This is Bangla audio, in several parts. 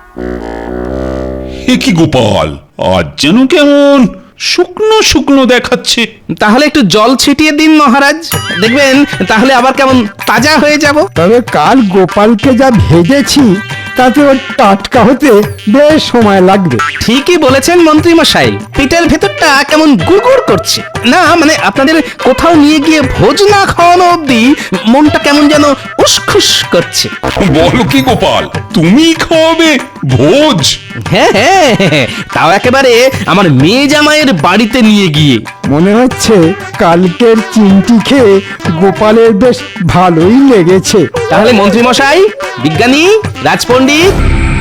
এ কি গোপাল, আজ যেন কেমন শুকনো শুকনো দেখাচ্ছে। তাহলে একটু জল ছিটিয়ে দিন মহারাজ, দেখবেন তাহলে আবার কেমন তাজা হয়ে যাব। তবে কাল গোপালকে যা ভেজেছি তাতে ওর টাটকা হতে বেশ সময় লাগবে। ঠিকই বলেছেন মন্ত্রী মশাই, পেটের ভেতরটা কেমন গুড়গুড় করছে। না মানে আপনাদের কোথাও নিয়ে গিয়ে ভোজ না খাওয়ানো অবধি মনটা কেমন যেন উসখুস করছে। বলো কি গোপাল, তুমি খাওয়াবে ভোজ? হ্যাঁ হ্যাঁ হ্যাঁ, তাও একেবারে আমার মেয়ে জামাইয়ের বাড়িতে নিয়ে গিয়ে। মনে হচ্ছে কালকের চিমটি খেয়ে গোপালের বেশ ভালোই লেগেছে। তাহলে মন্ত্রী মশাই, বিজ্ঞানী, রাজপণ্ডিত,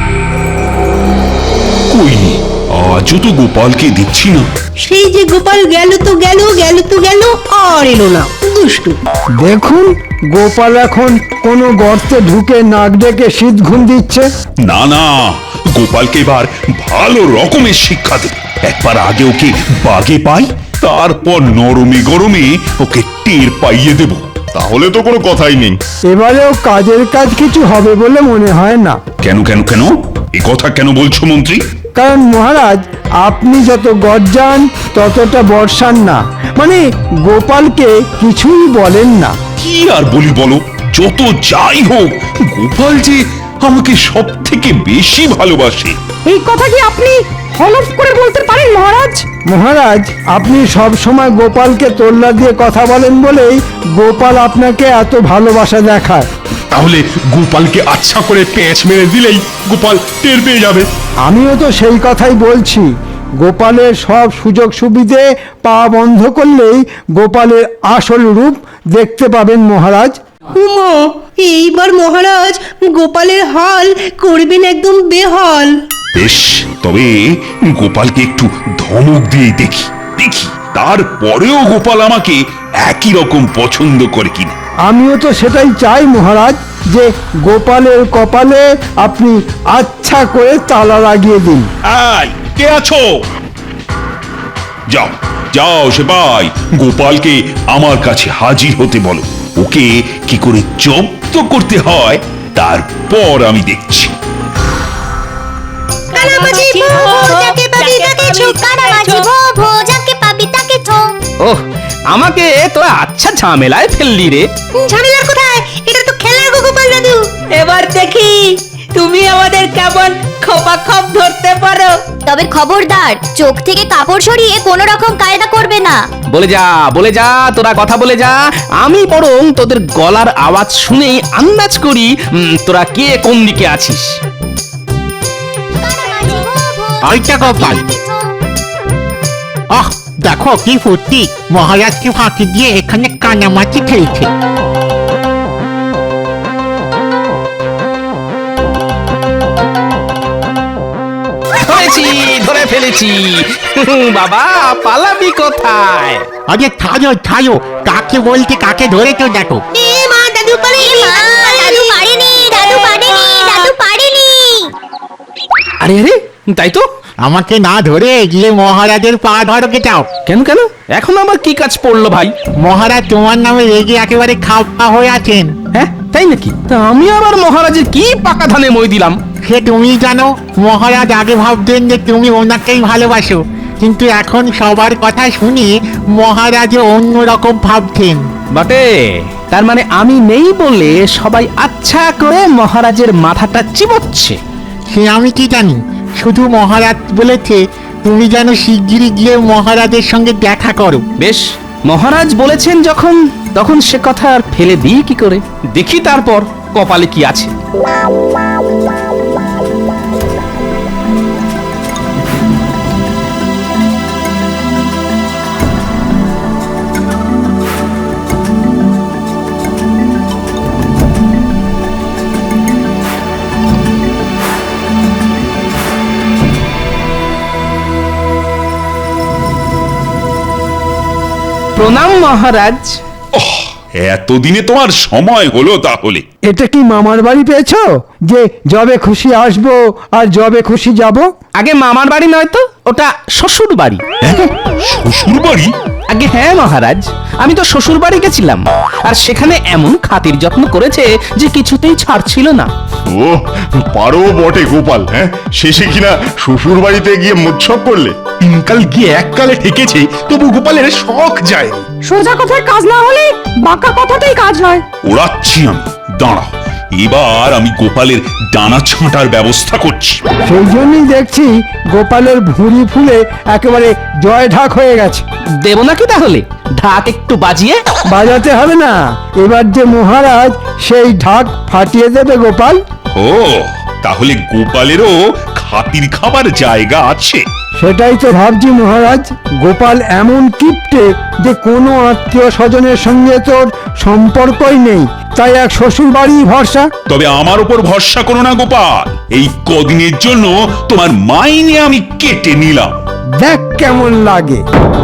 কই, আজও তো গোপালকে দেখছি না। সেই যে গোপাল গেল তো গেল, গেল তো গেল, আর এলো না, দুষ্টু। দেখুন গোপাল এখন কোনো গর্তে ঢুকে নাক ডেকে শীত ঘুম দিচ্ছে। না না, গোপালকে এবার ভালো রকমের শিক্ষা দেব। একবার আগে ওকে বাগে পাই, তারপর নরমে গরমে ওকে টের পাইয়ে দেব। তাহলে তো কোনো কথাই নেই। এবারেও কাজের কাজ কিছু হবে বলে মনে হয় না। কেন কেন কেন, এ কথা কেন বলছো মন্ত্রী? কারণ মহারাজ আপনি যত গর্জান ততটা বর্ষান না, মানে গোপালকে কিছুই বলেন না। কি আর বলি বলো, যত যাই হোক গোপাল যে আমাকে সব থেকে বেশি ভালোবাসে। এই কথা কি আপনি হলফ করে বলতে পারেন মহারাজ? মহারাজ আপনি সব সময় গোপালকে তোল্লা দিয়ে কথা বলেন বলেই গোপাল আপনাকে এত ভালোবাসা দেখায়। তাহলে গোপালকে আচ্ছা করে পেঁচ মেরে দিলেই গোপাল টের পেয়ে যাবে। আমিও তো সেই কথাই বলছি। গোপালের সব সুযোগ সুবিধে পা বন্ধ করলেই গোপালের আসল রূপ দেখতে পাবেন মহারাজ। উমা, এইবার মহারাজ গোপালের হাল করবেন একদম বেহাল। বেশ, তবে গোপালকে একটু ধমক দিয়ে দেখি দেখি তারপরেও গোপাল আমাকে একই রকম পছন্দ করে কিনা। আমিও তো সেটাই চাই মহারাজ, যে গোপালের কপালে আপনি আচ্ছা করে তালা লাগিয়ে দিন। আই, কে আছো? যাও যাও সেপাই, গোপালকে আমার কাছে হাজির হতে বলো। ওকে কি করে জব্দ করতে হয় তারপর আমি দেখছি। কানামাছি ভো যাকে পাবি তাকে ছো, কানামাছি ভো যাকে পাবি তাকে ছো। ওহ, আমাকে তোরা আচ্ছা ঝামেলায় ফেললি রে। ঝামেলার কোথায়, এটা তো খেলার গো গোপাল দাদু। এবার দেখি তুমি আমাদের কেমন খোপাখপ ধরতে পারো। তবে খবরদার, চোখ থেকে কাপড় সরিয়ে কোনো রকম কায়দা করবে না। বলে যা তোরা কথা বলে যা। আমি বরং তোদের গলার আওয়াজ শুনেই আন্দাজ করি তোরা কে কোন দিকে আছিস। আইটা গোপাল, আহ দেখো কি ফুর্তি, মহারাজকে ফাঁকি দিয়ে এখানে কানামাছি খেলছে। ধরে ফেলেছি বাবা, পালাবি কোথায়? আরে ছাড়ো ছাড়ো, কাকে বলতে কাকে ধরেছো দেখো। এ মা, দাদু পারেনি, দাদু পারেনি, দাদু পারেনি, দাদু পারেনি। আরে আরে, তাই তো। আমাকে না ধরে গিয়ে মহারাজের পা ধরকে চাও। কেন কেন, এখন আবার কি কাজ পড়লো ভাই? মহারাজ তোমার নামে রেগে একেবারে খাওয়া হয়ে আছেন। হ্যাঁ তাই নাকি? তা আমি আবার মহারাজের কি পাকা ধানে মই দিলাম? সে তুমি জানো, মহারাজ আগে ভাবতেন যে তুমি ওনাকেই ভালোবাসো, কিন্তু এখন সবার কথা শুনে মহারাজও অন্যরকম ভাবছেন। বটে, তার মানে আমি নেই বলে সবাই আচ্ছা করে মহারাজের মাথাটা চিবোচ্ছে। সে আমি কি জানি, শুধু মহারাজ বলেছে তুমি যেন শিগগিরই গিয়ে মহারাজের সঙ্গে দেখা করো। বেশ, মহারাজ বলেছেন যখন, তখন সে কথা আর ফেলে দিই কি করে। দেখি তারপর কপালে কি আছে। প্রণাম মহারাজ। এতদিনে তোমার সময় হলো তাহলে? এটা কি মামার বাড়ি পেয়েছো যে যবে খুশি আসবো আর যবে খুশি যাব? আগে মামার বাড়ি নয় তো, ওটা শ্বশুর বাড়ি। শ্বশুর বাড়ি? আগে হ্যাঁ মহারাজ, আমি তো শ্বশুর বাড়ি গেছিলাম, আর সেখানে এমন খাতির যত্ন করেছে যে কিছুতেই ছাড়ছিল না। ও পারো বটে গোপাল, হ্যাঁ শেষে কিনা শ্বশুর বাড়িতে গিয়ে মোৎসব করলে। তিনকাল গিয়ে এককালে ঠেকেছে, তবু গোপালের শখ যায়নি। সোজা কথায় কাজ না হলে বাঁকা কথাতেই কাজ হয়। ওড়াচ্ছি আমি, দাঁড়াও, এবার আমি গোপালের ডানা ছাঁটার ব্যবস্থা করছি। সেই জন্যই দেখছি গোপালের ভুঁড়ি ফুলে একেবারে জয় ঢাক হয়ে গেছে। দেব নাকি তাহলে ঢাক একটু বাজিয়ে? বাজাতে হবে না, এবার যে মহারাজ সেই ঢাক ফাটিয়ে দেবে গোপাল। ও তাহলে গোপালেরও খাতির খাবার জায়গা আছে। সেটাই তো ভাবছি মহারাজ, গোপাল এমন কিপ্টে যে কোনো আত্মীয় স্বজনের সঙ্গে তোর সম্পর্কই নেই, তাই এক শ্বশুর বাড়ি ভরসা। তবে আমার উপর ভরসা করো না গোপাল, এই কদিনের জন্য তোমার মাইনে আমি কেটে নিলাম। দেখ কেমন লাগে।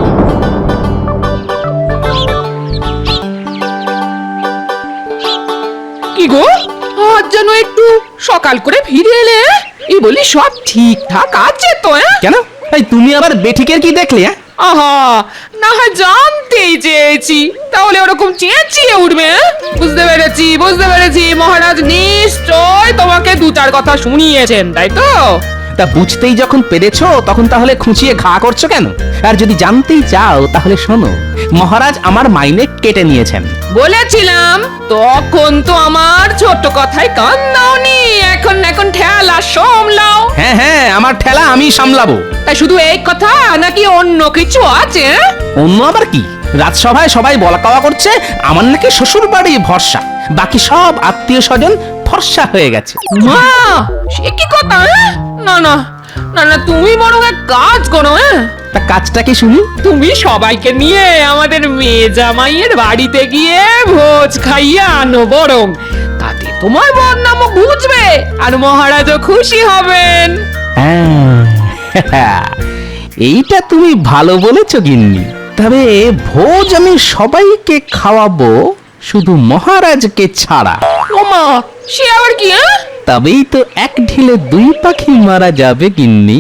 কি গো, আজ যেন একটু সকাল করে ফিরে এলে? এই বলি সব ঠিকঠাক আছে তো? কেন, এই তুমি আবার বেঠিকের কি দেখলে? আহা, না হয় জানতেই চেয়েছি, তাহলে ওরকম চেঁচিয়ে উঠবে? বুঝতে পেরেছি বুঝতে পেরেছি, মহারাজ নিশ্চয় তোমাকে দু চার কথা শুনিয়েছেন, তাই তো? তা বুঝতেই যখন পেরেছো, তখন তাহলে খুঁচিয়ে ঘা করছো কেন? আর যদি জানতেই চাও তাহলে শোনো, মহারাজ আমার মাইনে কেটে নিয়েছেন। বলেছিলাম তখন তো আমার ছোট কথায় কান দাওনি। এখন এখন ঠেলা সামলাও। হ্যাঁ হ্যাঁ, আমার ঠেলা আমি সামলাবো। তাই শুধু এই কথা নাকি অন্য কিছু আছে? অন্য আবার কি? রাজসভায় সবাই বলা কওয়া করছে আমার নাকি শ্বশুর বাড়ি ভরসা, বাকি সব আত্মীয় স্বজন ফর্সা হয়ে গেছে। মা, সে কি কথা? না না না না, তুমি বরং এক কাজ করো। তা কাজটা কি শুনি? তুমি সবাইকে নিয়ে আমাদের মেয়ে জামাইয়ের বাড়িতে গিয়ে ভোজ খাইয়ে আনো বরং, তাতে তোমার বদনামও বুঝবে আর মহারাজও খুশি হবেন। হ্যাঁ, এইটা তুমি ভালো বলেছো গিন্নি। তবে ভোজ আমি সবাইকে খাওয়াবো, শুধু মহারাজকে ছাড়া। ওমা, সে আবার কি? তবেই তো এক ঢিলে দুই পাখি মারা যাবে গিন্নি।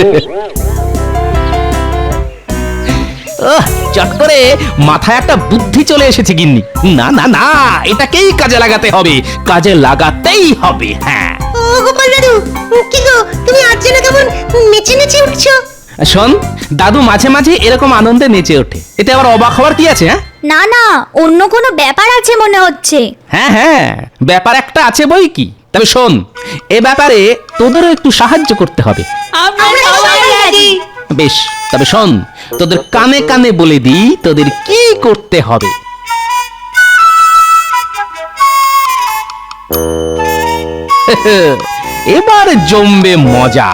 চট করে মাথায় একটা বুদ্ধি চলে এসেছে গিন্নি। না না না, এটাকেই কাজে লাগাতে হবে, কাজে লাগাতেই হবে। হ্যাঁ, ও গোপাল দাদু, কি গো তুমি আজ যেন কেমন নেচে নেচে উঠছো? শোন, দাদু মাঝে মাঝে এরকম আনন্দে নেচে ওঠে, এতে আবার অবাক হওয়ার কি আছে? হ্যাঁ না না, অন্য কোনো ব্যাপার আছে মনে হচ্ছে। হ্যাঁ হ্যাঁ, ব্যাপার একটা আছে বই কি। তবে শোন, এ ব্যাপারে তোদেরও একটু সাহায্য করতে হবে। আমরা সবাই রাজি। বেশ, তবে শোন, তোদের কানে কানে বলে দিই তোদের কি করতে হবে। এবার জমবে মজা।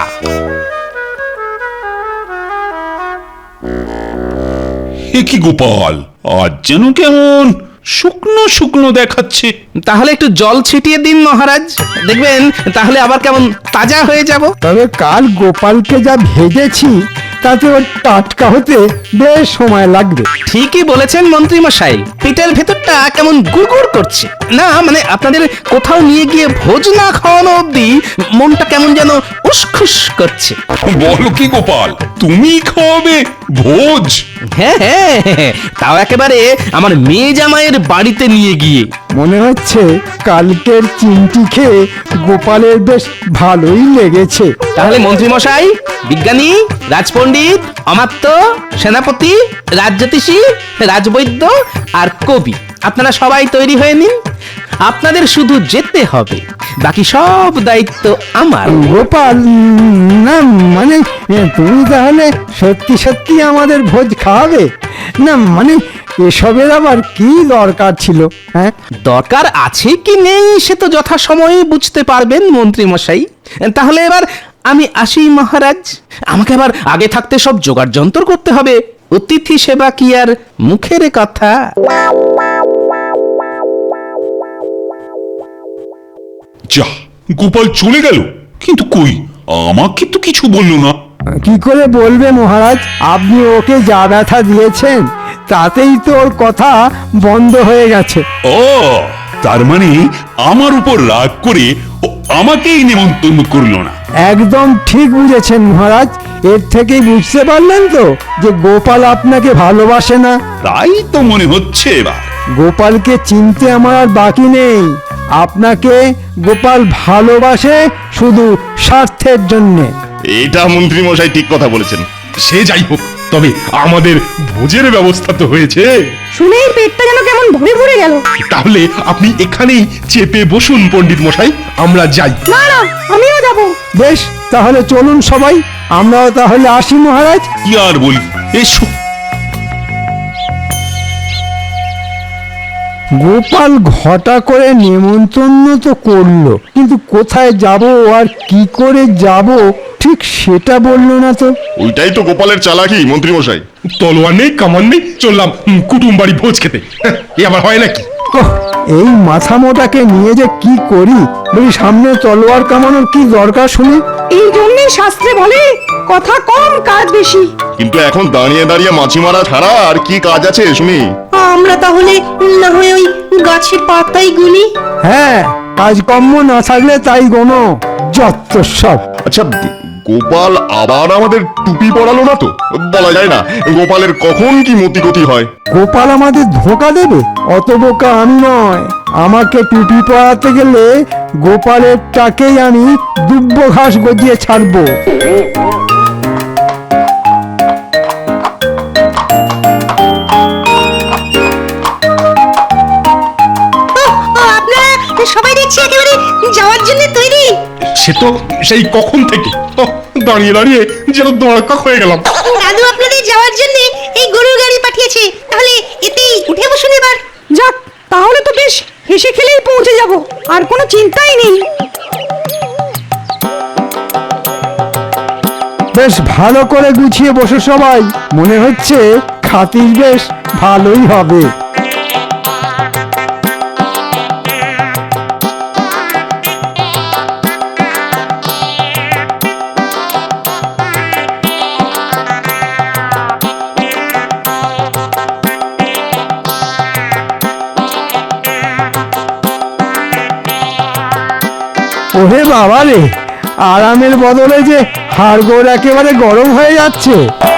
এ কি গোপাল, আজ যেন কেমন শুকনো শুকনো দেখাচ্ছে। তাহলে একটু জল ছিটিয়ে দিন মহারাজ, দেখবেন তাহলে আবার কেমন তাজা হয়ে যাব। তবে কাল গোপালকে যা ভেজেছি তাতে ওর টাটকা হতে বেশ সময় লাগবে। ঠিকই বলেছেন মন্ত্রী মশাই, পেটের ভেতরটা কেমন গুড়গুড় করছে। না মানে আপনাদের কোথাও নিয়ে গিয়ে ভোজ না খাওয়ানো অবধি মনটা কেমন যেন উসখুস করছে। বলো কি গোপাল, তুমি খাওয়াবে ভোজ? হ্যাঁ হ্যাঁ, তাও একেবারে আমার মেয়ে জামাইয়ের বাড়িতে নিয়ে গিয়ে। মনে হচ্ছে কালকের চিমটি খেয়ে গোপালের বেশ ভালোই লেগেছে। তাহলে মন্ত্রী মশাই, বিজ্ঞানী, রাজপণ্ডিত, অমাত্য, সেনাপতি, রাজজ্যোতিষী, রাজবৈদ্য আর কবি, আপনারা সবাই তৈরি হয়ে নিন। আপনাদের শুধু যেতে হবে, বাকি সব দায়িত্ব আমার। গোপাল, না মানে তুমি তাহলে সত্যি সত্যি আমাদের ভোজ খাওয়াবে? না মানে এসবের আবার কি দরকার ছিল? হ্যাঁ, দরকার আছে কি নেই সে তো যথাসময়ে বুঝতে পারবেন মন্ত্রী মশাই। তাহলে এবার আমি আসি মহারাজ, আমাকে আবার আগে থাকতে সব জোগাড় যন্ত্র করতে হবে। অতিথি সেবা কি আর মুখের কথা? যা, গোপাল চলে গেল, কিন্তু কই আমাকে তো কিছু বললো না। কি করে বলবে মহারাজ? আপনি ওকে যা ব্যথা দিয়েছেন তাতেই তো ওর কথা বন্ধ হয়ে গেছে। ও তার মানে আমার উপর রাগ করে ও আমাকেই নিমন্ত্রণ করলো না। একদম ঠিক বুঝেছেন মহারাজ। এর থেকেই বুঝতে পারলেন তো যে গোপাল আপনাকে ভালোবাসে না। তাই তো মনে হচ্ছে এবার। গোপালকে চিনতে আমার আর বাকি নেই। আপনাকে গোপাল ভালোবাসে শুধু স্বার্থের জন্যে। এটা মন্ত্রী মশাই ঠিক কথা বলেছেন। সে যাই হোক, তবে আমাদের ভোজের ব্যবস্থা তো হয়েছে। শুনেই পেটটা যেন কেমন ভরে ভরে গেল। তাহলে আপনি এখানেই চেপে বসুন পণ্ডিত মশাই, আমরা যাই। না না, আমিও যাব। বেশ, তাহলে চলুন সবাই, আমরাও তাহলে আসি মহারাজ। কি আর বলি, এসো। গোপাল ঘটা করে নেমন্তন্ন তো করলো, কিন্তু কোথায় যাব আর কি করে যাব ঠিক সেটা বললো না তো। ওইটাই তো গোপালের চালাকি মন্ত্রী মশাই। তলোয়ার নেই, কামান নেই, চললাম কুটুম বাড়ি ভোজ খেতে। এ আবার হয় নাকি? ওহ, এই মাথা মোটাকে নিয়ে যে কি করি, বলি সামনে তলোয়ার কামানোর কি দরকার শুনি। এই জন্যই শাস্ত্রে বলে কথা কম কাজ বেশি। কিন্তু এখন দাঁড়িয়ে দাঁড়িয়ে মাছি মারা ছাড়া আর কি কাজ আছে শুনি? আমরা তাহলে না হয় ওই গাছের পাতাই গুনি। হ্যাঁ, কাজকর্ম না থাকলে তাই গোনো, যত সব। আচ্ছা, গোপাল আবার আমাদের টুপি পরালো না তো? বলা যায় না গোপালের কখন কি মতিগতি হয়। গোপাল আমাদের ধোকা দেবে? অত বোকা আমি নয়। আমাকে টুপি পরাতে গেলে গোপালের টাকেই আমি দুব্ব ঘাস গজিয়ে ছাড়বো। আপনারা সবাই দেখছি একেবারে যাওয়ার জন্য তৈরি। সে তো সেই কখন থেকে দাঁড়িয়ে দাঁড়িয়ে যেন দড়কাক হয়ে গেলাম। দাদু আপনাদের যাওয়ার জন্য এই গরুর গাড়ি পাঠিয়েছে, তাহলে এতেই উঠে বসুন এবার। যাক, তাহলে তো বেশ হেসে খেলেই পৌঁছে যাব, আর কোনো চিন্তাই নেই। বেশ ভালো করে গুছিয়ে বসে সবাই, মনে হচ্ছে খাতির বেশ ভালোই হবে। ওহে বাবা রে, আরামের বদলে যে হাড়গোড় একেবারে গরম হয়ে যাচ্ছে।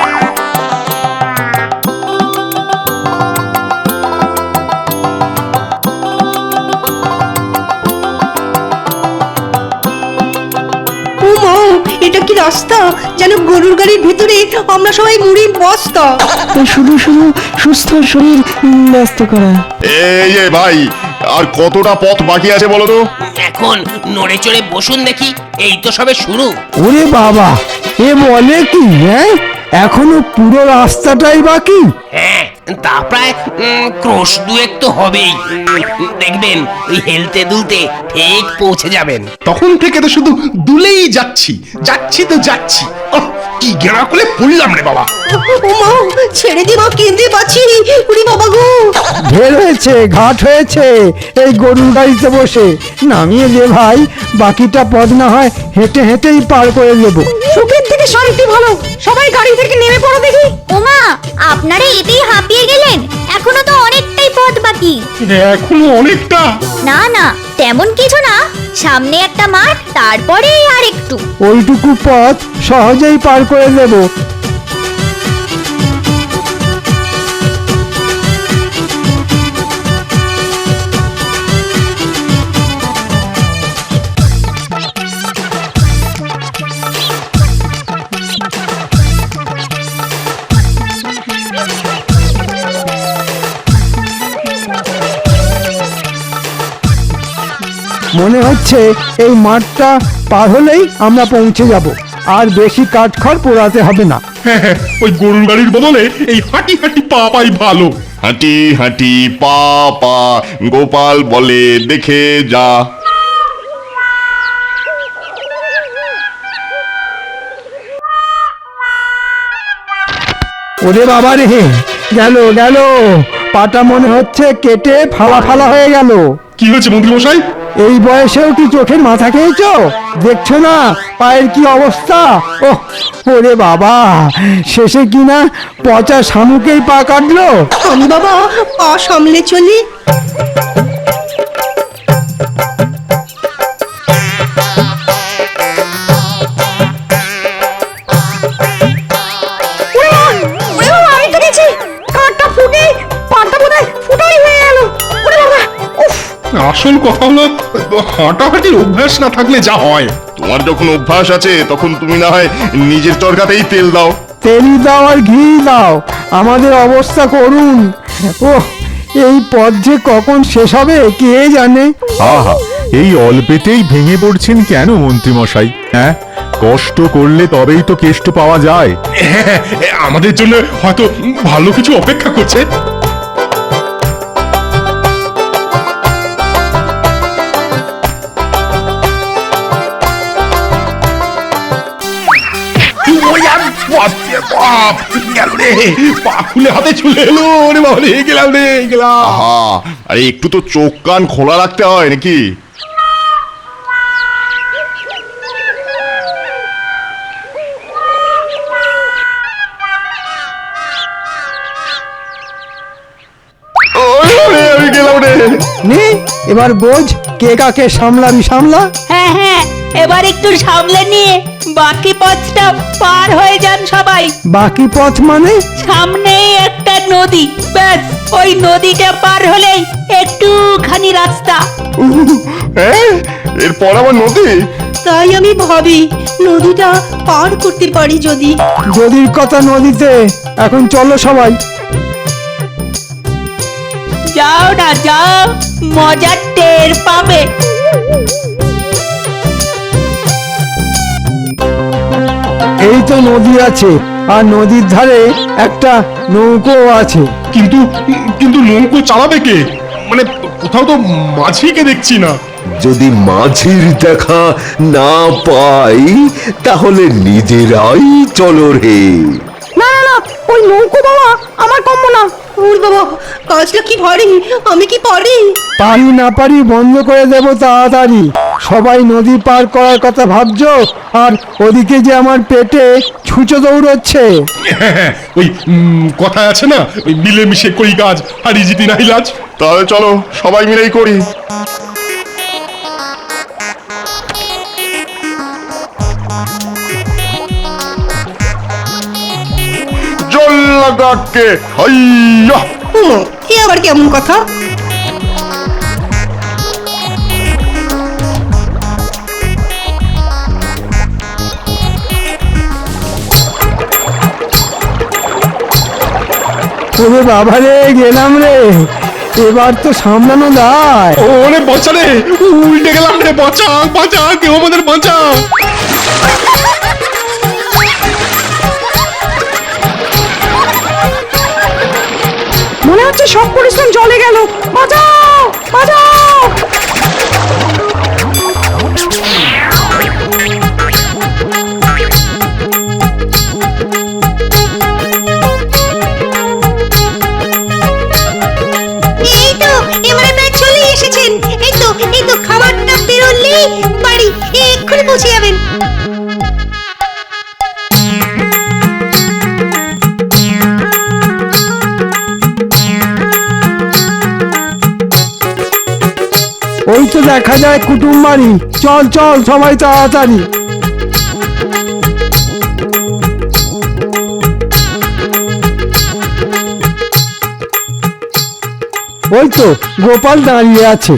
ও মা, এটা কি রাস্তা? যেন গরুর গাড়ির ভেতরে আমরা সবাই মুড়ির বস্তা। শুধু শুধু সুস্থ শরীর ব্যস্ত করা। এই যে ভাই, আর কতটা পথ বাকি আছে বলো তো? এখন নড়ে চড়ে বসুন দেখি, এই তো সবে শুরু। ওরে বাবা, এ বলে কি? হ্যাঁ, এখনো পুরো রাস্তাটাই বাকি। হ্যাঁ, তা প্রায় ক্রোশ দুয়েক তো হবেই। দেখবেন ওই হেলতে দুলতে ঠিক পৌঁছে যাবেন। তখন থেকে তো শুধু দুলেই যাচ্ছি যাচ্ছি তো যাচ্ছি। ওহ, কি গেঁড়া করে পড়লাম রে বাবা। ও মা, ছেড়ে দিবা, কেঁদে পাচ্ছি। উনি বাবা গো। ঢের হয়েছে, ঘাট হয়েছে এই গরুর গাড়িতে বসে। নামিয়ে দে ভাই, বাকিটা পথ না হয় হেঁটে হেঁটেই পার করে দেবো। সুখের থেকে শান্তি ভালো, সবাই গাড়ি থেকে নেমে পড়ো দেখি। ওমা, আপনারা এতেই হাঁপিয়ে গেলেন? এখনো তো অনেকটাই পথ বাকি। এখনো অনেকটা? না না, তেমন কিছু না, সামনে একটা মাঠ, তারপরে আর একটু। ওইটুকু পথ সহজেই পার করে দেবো। মনে হচ্ছে এই মাঠটা পার হলেই আমরা পৌঁছে যাব, আর বেশি কাঠখড় পোড়াতে হবে না। হ্যাঁ হ্যাঁ, ওই গরুর গাড়ির বদলে এই হাঁটি হাঁটি পা পাই ভালো। হাঁটি হাঁটি পা পা, গোপাল বলে দেখে যা। ওরে বাবা রে, গেল গেল, পাটা মনে হচ্ছে কেটে ফালা ফালা হয়ে গেল। কি হয়েছে মন্ত্রী মশাই? এই বয়সেও কি চোখের মাথা খেয়েছো? দেখছো না পায়ের কি অবস্থা? ওহ, ওরে বাবা, শেষে কিনা পচা শামুকেই পা কাটলো। আমি বাবা পা সামলে চলি। আসল কথা হলো হাঁটাহাঁটির অভ্যাস না থাকলে যা হয়। তোমার যখন অভ্যাস আছে তখন তুমি না হয় নিজের চরকাতেই তেল দাও। তেল দাও আর ঘি দাও, আমাদের অবস্থা করুন। ও, এই পথ যে কখন শেষ হবে কে জানে। আহা, এই অল্পেতেই ভেঙে পড়ছেন কেন মন্ত্রী মশাই? হ্যাঁ, কষ্ট করলে তবেই তো কেষ্ট পাওয়া যায়। হ্যাঁ, আমাদের জন্য হয়তো ভালো কিছু অপেক্ষা করছে। ওই আর বাপরে বাপ, গেল রে, পা খুলে হাতে চলে এলো রে বাবা রে, গেলাম রে, গেলাম। আহা, আরে একটু তো চোখ কান খোলা রাখতে হয় নাকি? আমি গেলাম রে। নে, এবার বোঝ কে কাকে সামলাবি সামলা। হ্যাঁ হ্যাঁ, এবার একটু সামলে নিয়ে বাকি পথটা পার হয়ে যান সবাই। বাকি পথ মানে? সামনেই একটা নদী, ব্যাস ওই নদীটা পার হলেই একটুখানি রাস্তা। হ্যাঁ, এরপর আবার নদী? তাই আমি ভাবি নদীটা পার করতে পারি যদি। নদীর কথা নদীতে, এখন চলো সবাই। যাও না যাও, মজার টের পাবে। এই তো নদী আছে, আর নদীর ধারে একটা নৌকো আছে। কিন্তু কিন্তু নৌকো চালাবে কে? মানে কোথাও তো মাঝিকে দেখছি না। যদি মাঝির দেখা না পাই তাহলে নিজেরাই চলো রে। না না না, ওই নৌকো বাবা আমার কম্য না। ওর বাবা, কাজটা কি ভারী, আমি কি পারি? পারি না পারি বন্ধ করে দেব তাড়াতাড়ি। সবাই নদী পার করার কথা ভাবছো, আর ওদিকে যে আমার পেটে ছুঁচো দৌড়চ্ছে। হ্যাঁ, ওই কথা আছে না, ওই মিলেমিশে করি কাজ, হারি জিতি নাই লাজ। তাহলে চলো সবাই মিলেই করি। জল লাগাকে হাইয়া। এ আবার কেমন কথা? ওরে বাবা রে, গেলাম রে, এবার তো সামলানো দায়। ওরে বাঁচা রে, উল্টে গেলাম রে, বাঁচা বাঁচা, কেউ আমাদের বাঁচা। মনে হচ্ছে সব পরিশ্রম জলে গেল। বাঁচাও বাঁচাও। এই তো এবারে প্রায় চলে এসেছেন। এই তো খাবারটা বেরোলেই বাড়ি এক্ষুনি পৌঁছে যাবেন। ওই তো দেখা যায় কুটুম বাড়ি। চল চল সবাই তাড়াতাড়ি। ওই তো গোপাল দাঁড়িয়ে আছে।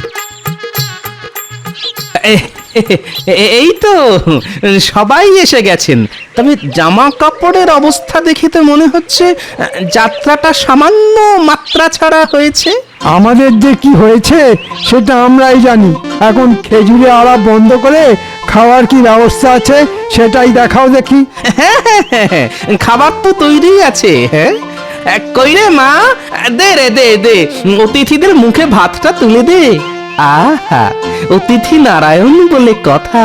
এই তো সবাই এসে গেছেন। তবে জামা কাপড়ের অবস্থা দেখে তো মনে হচ্ছে যাত্রাটা সামান্য মাত্রা ছাড়া হয়েছে। আমাদের যে কি হয়েছে সেটা আমরাই জানি। এখন খেজুরে আড়া বন্ধ করে খাওয়ার কি ব্যবস্থা আছে সেটাই দেখাও দেখি। হ্যাঁ হ্যাঁ হ্যাঁ হ্যাঁ, খাবার তো তৈরি আছে। হ্যাঁ, কই রে মা, দে রে দে দে, অতিথিদের মুখে ভাতটা তুলে দে। আহা, অতিথি নারায়ণ বলে কথা।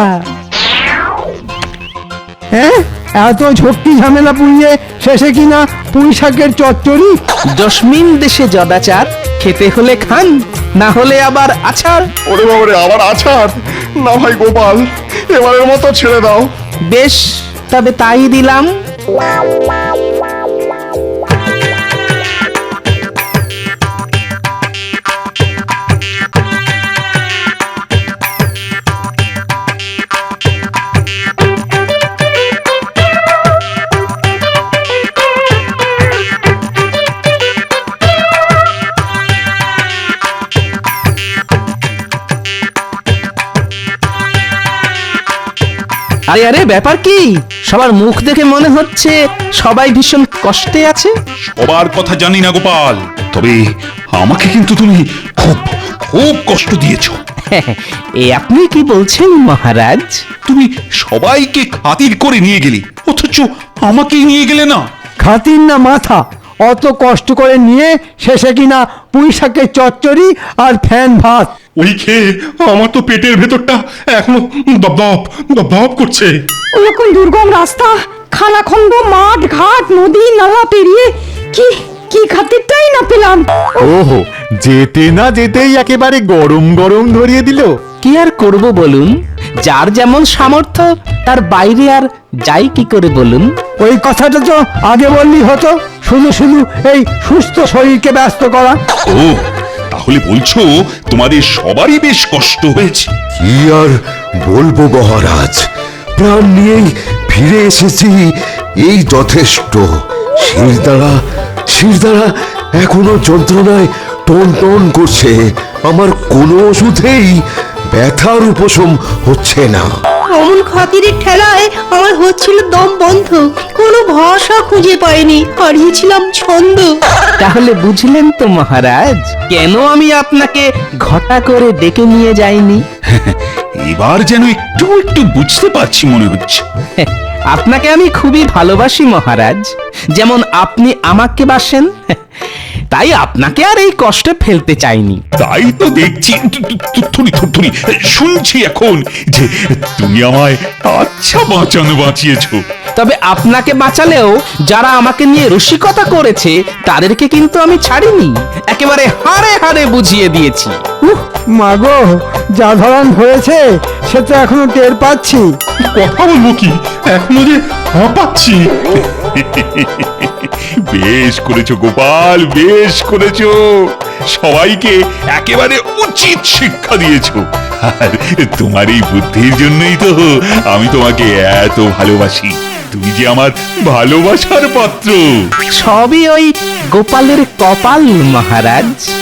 হ্যাঁ, এত ঝক্কি ঝামেলা পুড়িয়ে শেষে কিনা পুঁই শাকের চচ্চড়ি। জসমিন দেশে জদাচার, খেতে হলে খান, না হলে আবার আছাড়। ওরে বাবারে, আবার আছাড়? না ভাই গোপাল, এবারের মতো ছেড়ে দাও। বেশ, তবে তাই দিলাম। আরে আরে ব্যাপার কি? সবার মুখ দেখে মনে হচ্ছে সবাই ভীষণ কষ্টে আছে। সবার কথা জানি না গোপাল, তবে আমাকে কিন্তু তুমি খুব খুব কষ্ট দিয়েছো। এ আপনি কি বলছেন মহারাজ? তুমি সবাইকে খাতির করে নিয়ে গেলে, অথচ আমাকেই নিয়ে গেলে না। খাতির না মাথা, অত কষ্ট করে নিয়ে শেষে কিনা পুঁই শাকের চচ্চড়ি আর ফ্যান ভাত। ওই খেয়ে আমার তো পেটের ভেতরটা এখনো দপদপ দপদপ করছে। ওরকম দুর্গম রাস্তা, খানাখন্দ, মাঠ ঘাট, নদী নালা পেরিয়ে কি কি খাতিরটাই না পেলাম। ওহো, যেতে না যেতেই একেবারে গরম গরম ধরিয়ে দিল। কি আর করব বলুন, যার যেমন সামর্থ্য তার বাইরে আর যাই কি করে বলুন। ওই কথাটা তো আগে বললি হতো, শুধু শুধু এই সুস্থ শরীরকে ব্যস্ত করা। ও, তাহলে বলছো তোমাদের সবারই বেশ কষ্ট হয়েছে। কি আর বলবো মহারাজ, প্রাণ নিয়েই ফিরে এসেছি, এই যথেষ্ট। শিরদাঁড়া এখনো যন্ত্রণায় টন টন করছে। আমার কোনো ওষুধেই ব্যথার উপশম হচ্ছে না। অমন খাতিরের ঠেলায় আমার হচ্ছিল দম বন্ধ, কোনো ভাষা খুঁজে পাইনি, হারিয়েছিলাম ছন্দ। তাহলে বুঝলেন তো মহারাজ, কেন আমি আপনাকে ঘটা করে ডেকে নিয়ে যাইনি। এবার যেন একটু একটু বুঝতে পারছি মনে হচ্ছে। আপনাকে আমি খুবই ভালোবাসি মহারাজ, যেমন আপনি আমাকে বাসেন। তাই আপনাকে আর এই কষ্টে ফেলতে চাইনি। তাই তো দেখছি, থুরি শুনছি এখন যে তুমি আমায় আচ্ছা বাঁচিয়েছো। তবে আপনাকে বাঁচালেও যারা আমাকে নিয়ে রসিকতা করেছে তাদেরকে কিন্তু আমি ছাড়িনি, একেবারে হাড়ে হাড়ে বুঝিয়ে দিয়েছি। মাগো, যা ধরন হয়েছে সে তো এখনো টের পাচ্ছি। কথা বলবো কি, এখনো যে হাঁপাচ্ছি। বেশ করেছো গোপাল, বেশ করেছো। সবাইকে একেবারে উচিত শিক্ষা দিয়েছো। আর তোমার এই বুদ্ধির জন্যই তো আমি তোমাকে এত ভালোবাসি। তুমি যে আমার ভালোবাসার পাত্র। সবই ওই গোপালের কপাল মহারাজ।